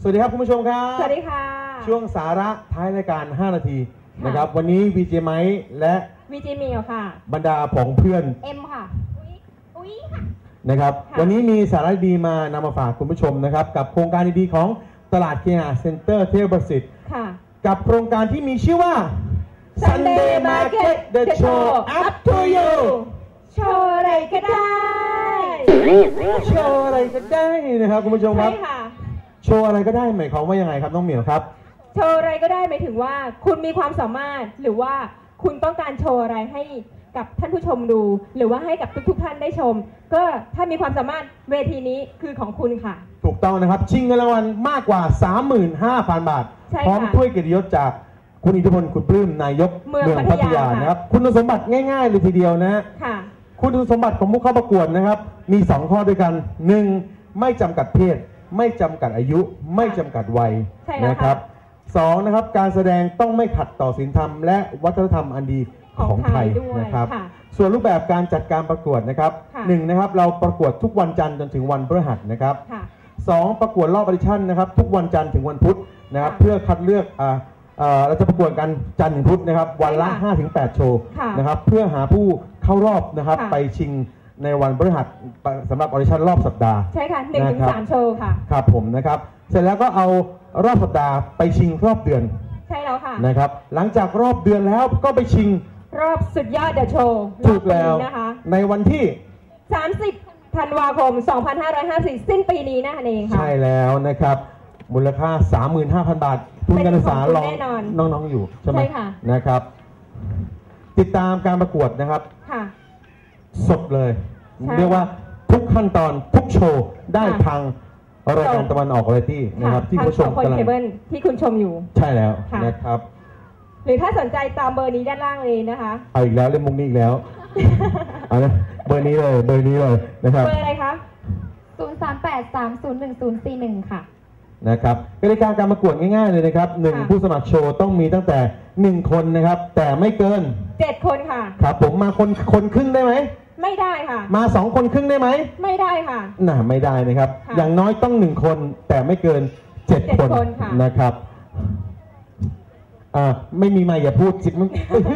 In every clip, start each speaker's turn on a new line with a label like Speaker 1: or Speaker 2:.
Speaker 1: วัสดีครับคุณผู้ชมครับ
Speaker 2: สวัสดีค่ะ
Speaker 1: ช่วงสาระท้ายรายการ5 นาทีนะครับวันนี้ VJ ไมค์และ
Speaker 2: VJ มิวค่ะ
Speaker 1: บรรดาผองเพื่อน
Speaker 2: M ค่ะอุ้ยค่ะ
Speaker 1: นะครับวันนี้มีสาระดีมานำมาฝากคุณผู้ชมนะครับกับโครงการดีๆของตลาดเคหะเซ็นเตอร์เทพประสิทธิ์กับโครงการที่มีชื่อว่า Sunday Market The Show Up to You
Speaker 2: โชว์อะไรก็ได้
Speaker 1: โชว์อะไรก็ได้นะครับคุณผู้ชมครับโชว์อะไรก็ได้หมายความว่ายังไงครับน้องเหมียวครับ
Speaker 2: โชว์อะไรก็ได้หมายถึงว่าคุณมีความสามารถหรือว่าคุณต้องการโชว์อะไรให้กับท่านผู้ชมดูหรือว่าให้กับทุกท่านได้ชมก็ถ้ามีความสามารถเวทีนี้คือของคุณค่ะ
Speaker 1: ถูกต้องนะครับชิงเงินรางวัลมากกว่า 35,000 บาทพร้อมถ้วยเกียรติยศจากคุณอิทธิพลคุณปลื้มนายกเมืองพัทยานะครับคุณสมบัติง่ายๆเลยทีเดียวนะคุณสมบัติของผู้เข้าประกวดนะครับมี2ข้อด้วยกัน1ไม่จำกัดเพศไม่จำกัดอายุไม่จำกัดวัยนะครับ2นะครับการแสดงต้องไม่ขัดต่อศีลธรรมและวัฒนธรรมอันดีของไทยนะครับส่วนรูปแบบการจัดการประกวดนะครับ1นะครับเราประกวดทุกวันจันทร์จนถึงวันพฤหัสนะครับ2ประกวดรอบออดิชั่นนะครับทุกวันจันทร์ถึงวันพุธนะครับเพื่อคัดเลือกเราจะประกวดกันจันทร์ถึงพุธนะครับวันละ 5-8 โชว์นะครับเพื่อหาผู้เข้ารอบนะครับไปชิงในวันพฤหัสสำหรับออดิชั่นรอบสัปดาห์
Speaker 2: ใช่ค่ะ 1-3 โชว์ค่ะ
Speaker 1: ครับผมนะครับเสร็จแล้วก็เอารอบสัปดาห์ไปชิงรอบเดือน
Speaker 2: ใช่แล้วค่ะ
Speaker 1: นะครับหลังจากรอบเดือนแล้วก็ไปชิง
Speaker 2: รอบสุดยอดเดอะโชว์
Speaker 1: ถูกแล้วนะคะในวันที่
Speaker 2: 30 ธันวาคม 2554 สิ้นปีนี้นั่นเองค่ะ
Speaker 1: ใช่แล้วนะครับมูลค่า 35,000 บาททุนการศึกษารองน้องๆอยู่ใช่ไหมนะครับติดตามการประกวดนะครับสดเลยเรียกว่าทุกขั้นตอนทุกโชว์ได้ทางรายการตะวันออกวาไรตี้นะครับที่ผู้ชม
Speaker 2: กำลังที่คุณชมอยู่
Speaker 1: ใช่แล้วนะครับ
Speaker 2: หรือถ้าสนใจตามเบอร์นี้ด้านล่างเลยนะคะ
Speaker 1: เอาอีกแล้วเล่นมุกนี้อีกแล้วเอานะเบอร์นี้เลยนะครับ
Speaker 2: เบอร์อะไรคะ038301041ค่ะ
Speaker 1: นะครับกติกาการประกวดง่ายๆเลยนะครับ1ผู้สมัครโชว์ต้องมีตั้งแต่1คนนะครับแต่ไม่เกิน
Speaker 2: 7 คนค่ะ
Speaker 1: ครับผมมาคนครึ่งได้ไหม
Speaker 2: ไม่ได้ค่ะ
Speaker 1: มา2 คนครึ่งได้ไหม
Speaker 2: ไม่ได้ค่ะ
Speaker 1: ไม่ได้นะครับอย่างน้อยต้อง1 คนแต่ไม่เกิน7 คนนะครับไม่มีไมค์อย่าพูดสิมัน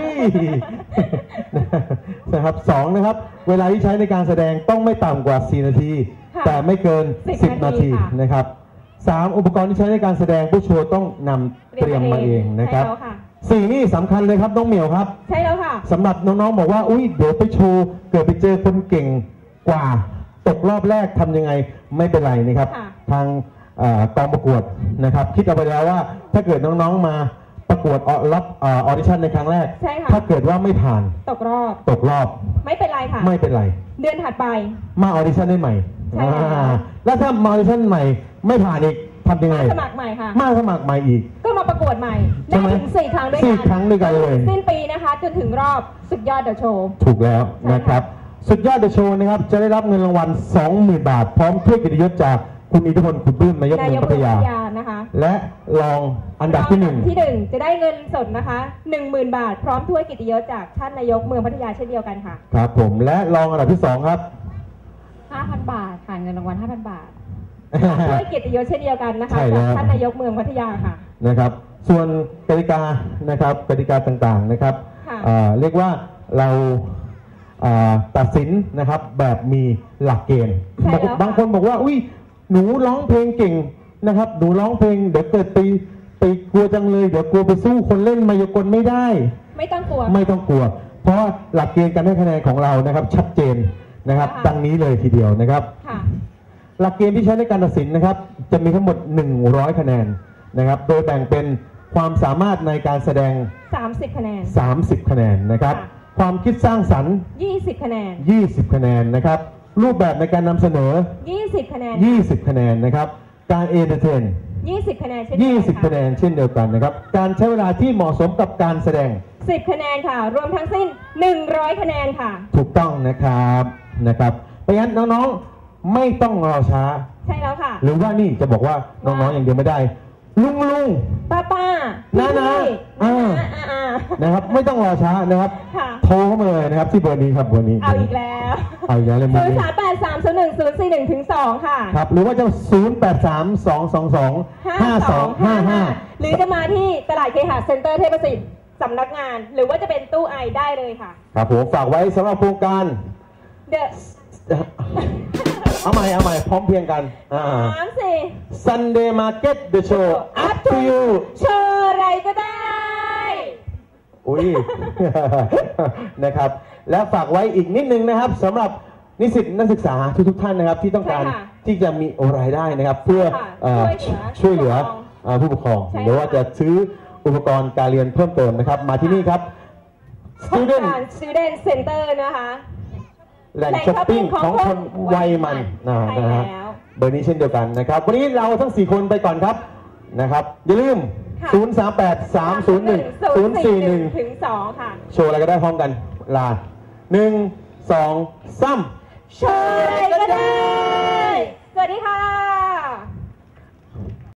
Speaker 1: นะครับ2นะครับเวลาที่ใช้ในการแสดงต้องไม่ต่ำกว่า4 นาทีแต่ไม่เกิน10 นาทีนะครับ3อุปกรณ์ที่ใช้ในการแสดงผู้โชว์ต้องนำเตรียมมาเองนะครับ4นี่สำคัญเลยครับน้องเหมียวครับ
Speaker 2: ใช่แล้วค่ะ
Speaker 1: สำหรับน้องๆบอกว่าอุ้ยเดี๋ยวไปโชว์เกิดไปเจอคนเก่งกว่าตกรอบแรกทำยังไงไม่เป็นไรนะครับทางกองประกวดนะครับคิดเอาไปแล้วว่าถ้าเกิดน้องๆมาประกวดรับออดิชั่นในครั้งแรกถ้าเกิดว่าไม่ผ่าน
Speaker 2: ตกรอบ
Speaker 1: ไม่เป็นไร
Speaker 2: ค่ะไม่เป็นไรเดือนถัดไป
Speaker 1: มาออดิชั่นได้ใหม่แล้วถ้ามาออดิชั่นใหม่ไม่ผ่านอีกทำยังไง
Speaker 2: สมัครใหม่ค่ะ
Speaker 1: มาสมัครใหม่อีก
Speaker 2: ก็มาประกวดใหม่ได้ถึง4 ครั้งด้วย
Speaker 1: กันเลย
Speaker 2: สิ้นปีนะคะจนถึงรอบสุดยอดเดอะโชว์
Speaker 1: ถูกแล้วนะครับสุดยอดเดอะโชว์นะครับจะได้รับเงินรางวัล 20,000 บาทพร้อมถ้วยเกียรติยศจากคุณอิทธิพลคุณปลื้มนายกเมืองพัทยา
Speaker 2: นะคะ
Speaker 1: และรองอันดับที่
Speaker 2: 1จะได้เงินสดนะคะ 10,000 บาทพร้อมถ้วยเกียรติยศจากท่านนายกเมืองพัทยาเช่นเดียวกันค่ะ
Speaker 1: ครับผมและรองอันดับที่2ครับ
Speaker 2: 5,000 บาทค่ะเงินรางวัล 5,000 บาทด้วยเกียรติยศเช่นเดียวกันนะคะจากท่านนายกเมืองพัทยาค่ะ
Speaker 1: นะครับส่วนกติกานะครับกติกาต่างๆนะครับเรียกว่าเราตัดสินนะครับแบบมีหลักเกณฑ์บางคนบอกว่าอุ้ยหนูร้องเพลงเก่งนะครับหนูร้องเพลงเดี๋ยวเกิดไปกลัวจังเลยเดี๋ยวกลัวไปสู้คนเล่นมายากลไม่ได้
Speaker 2: ไม่ต้องกลัว
Speaker 1: เพราะหลักเกณฑ์การให้คะแนนของเรานะครับชัดเจนนะครับดังนี้เลยทีเดียวนะครับหลักเกณฑ์ที่ใช้ในการตัดสินนะครับจะมีทั้งหมด100 คะแนนนะครับโดยแบ่งเป็นความสามารถในการแสดง
Speaker 2: 30 คะแนน
Speaker 1: 30 คะแนนนะครับความคิดสร้างสรรค์
Speaker 2: 20 คะแนน
Speaker 1: 20 คะแนนนะครับรูปแบบในการนำเสนอ
Speaker 2: 20 คะแนน
Speaker 1: 20 คะแนนนะครับการเอนเตอร์เทน
Speaker 2: 20 คะแนน
Speaker 1: 20 คะแนนเช่นเดียวกันนะครับการใช้เวลาที่เหมาะสมกับการแสดง
Speaker 2: 10 คะแนนค่ะรวมทั้งสิ้น100 คะแนนค่ะ
Speaker 1: ถูกต้องนะครับเพราะฉะนั้นน้องๆไม่ต้องรอช้า
Speaker 2: ใช่แล้วค่ะ
Speaker 1: หรือว่านี่จะบอกว่าน้องๆอย่างเดียวไม่ได้ลุง
Speaker 2: ป้า
Speaker 1: น้านะครับไม่ต้องรอช้านะครับโทรเข้ามาเลยนะครับที่เบอร์นี้ครับเบอร์นี้
Speaker 2: เอาอีกแล้ว
Speaker 1: เลย
Speaker 2: 038301202ค่ะ
Speaker 1: ครับหรือว่าจะ0832225255
Speaker 2: หรือจะมาที่ตลาดเคหะเซ็นเตอร์เทพประสิทธิ์สำนักงานหรือว่าจะเป็นตู้ไอได้เลยค่ะ
Speaker 1: ครับผมฝากไว้สำหรับโครงการเอาใหม่พร้อมเพียงกันSunday Market The Show Up to You
Speaker 2: โชว์อะไรก็ได้
Speaker 1: อุ้ยนะครับแล้วฝากไว้อีกนิดนึงนะครับสำหรับนิสิตนักศึกษาทุกท่านนะครับที่ต้องการที่จะมีรายได้นะครับเพื่อช่วยเหลือผู้ปกครองหรือว่าจะซื้ออุปกรณ์การเรียนเพิ่มเติมนะครับมาที่นี่ครับ
Speaker 2: Student Center นะคะ
Speaker 1: แหล่งช้อปปิ้งของคนวัยมันนะฮะเบอร์นี้เช่นเดียวกันนะครับวันนี้เราทั้ง4คนไปก่อนครับนะครับอย่าลืม
Speaker 2: 038301041-2ค่ะ
Speaker 1: โชว์อะไรก็ได้พร้อมกันลา1 2 3
Speaker 2: โชว์อะไรก็ได้สวัสดีค่ะ